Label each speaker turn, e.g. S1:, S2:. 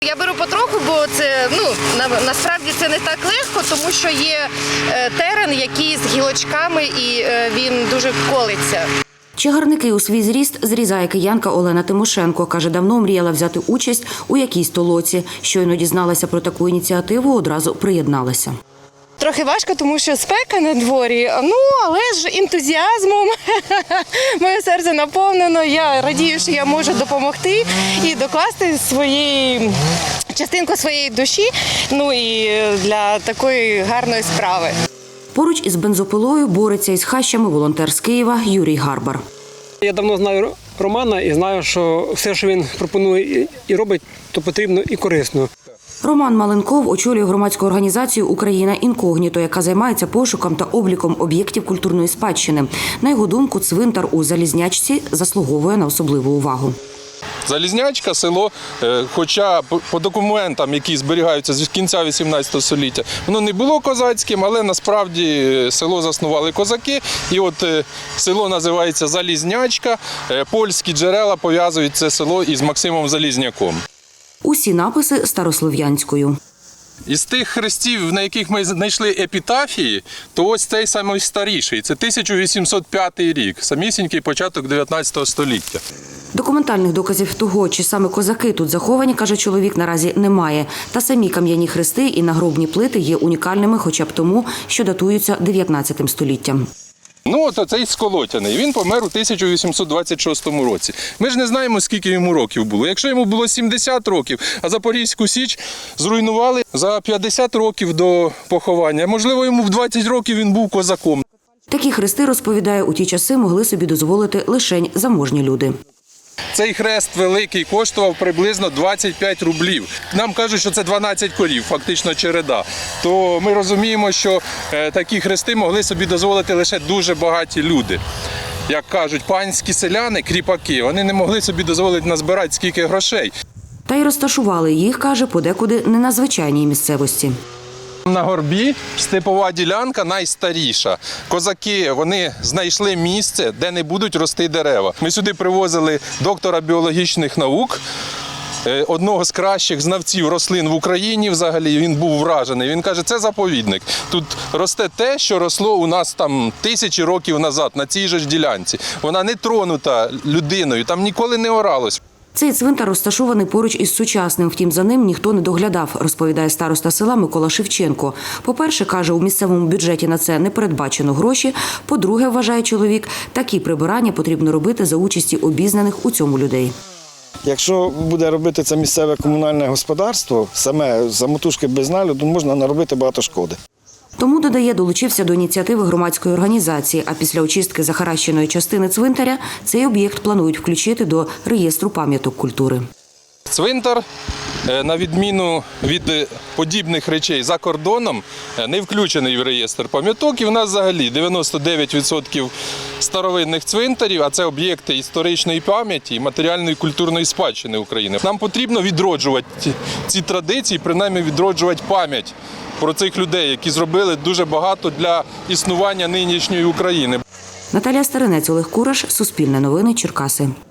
S1: Я беру потроху, бо це насправді це не так легко, тому що є терен, який з гілочками і він дуже колиться.
S2: Чагарники у свій зріст зрізає киянка Олена Тимошенко. Каже, давно мріяла взяти участь у якійсь толоці. Щойно дізналася про таку ініціативу, одразу приєдналася.
S1: Трохи важко, тому що спека на дворі, але ж ентузіазмом моє серце наповнено. Я радію, що я можу допомогти і докласти частинку своєї душі, і для такої гарної справи.
S2: Поруч із бензопилою бореться із хащами волонтер з Києва Юрій Гарбар.
S3: Я давно знаю Романа і знаю, що все, що він пропонує і робить, то потрібно і корисно.
S2: Роман Маленков очолює громадську організацію «Україна інкогніто», яка займається пошуком та обліком об'єктів культурної спадщини. На його думку, цвинтар у Залізнячці заслуговує на особливу увагу.
S4: Залізнячка – село, хоча по документам, які зберігаються з кінця 18 століття, воно не було козацьким, але насправді село заснували козаки. І от село називається Залізнячка. Польські джерела пов'язують це село із Максимом Залізняком.
S2: Усі написи старослов'янською.
S4: Із тих хрестів, на яких ми знайшли епітафії, то ось цей найстаріший. Це 1805 рік, самісінький початок 19 століття.
S2: Документальних доказів того, чи саме козаки тут заховані, каже чоловік, наразі немає. Та самі кам'яні хрести і нагробні плити є унікальними хоча б тому, що датуються 19 століттям.
S4: От цей Сколотяний, він помер у 1826 році. Ми ж не знаємо, скільки йому років було. Якщо йому було 70 років, а Запорізьку Січ зруйнували за 50 років до поховання, можливо, йому в 20 років він був козаком.
S2: Такі хрести, розповідає, у ті часи могли собі дозволити лишень заможні люди.
S4: Цей хрест великий коштував приблизно 25 рублів. Нам кажуть, що це 12 корів, фактично череда. То ми розуміємо, що такі хрести могли собі дозволити лише дуже багаті люди. Як кажуть, панські селяни, кріпаки, вони не могли собі дозволити назбирати скільки грошей.
S2: Та й розташували їх, каже, подекуди не на звичайній місцевості.
S4: На горбі степова ділянка найстаріша. Козаки, вони знайшли місце, де не будуть рости дерева. Ми сюди привозили доктора біологічних наук, одного з кращих знавців рослин в Україні взагалі, він був вражений. Він каже, це заповідник. Тут росте те, що росло у нас там тисячі років назад, на цій же ж ділянці. Вона не тронута людиною, там ніколи не оралось.
S2: Цей цвинтар розташований поруч із сучасним, втім за ним ніхто не доглядав, розповідає староста села Микола Шевченко. По-перше, каже, у місцевому бюджеті на це не передбачено гроші. По-друге, вважає чоловік, такі прибирання потрібно робити за участі обізнаних у цьому людей.
S5: Якщо буде робити це місцеве комунальне господарство, саме самотужки без нагляду, можна наробити багато шкоди.
S2: Тому, додає, долучився до ініціативи громадської організації, а після очистки захаращеної частини цвинтаря цей об'єкт планують включити до реєстру пам'яток культури.
S4: Цвинтар, на відміну від подібних речей за кордоном, не включений в реєстр пам'яток. І в нас взагалі 99% старовинних цвинтарів, а це об'єкти історичної пам'яті і матеріальної культурної спадщини України. Нам потрібно відроджувати ці традиції, принаймні відроджувати пам'ять про цих людей, які зробили дуже багато для існування нинішньої України.
S2: Наталія Старинець, Олег Кураш, Суспільне новини, Черкаси.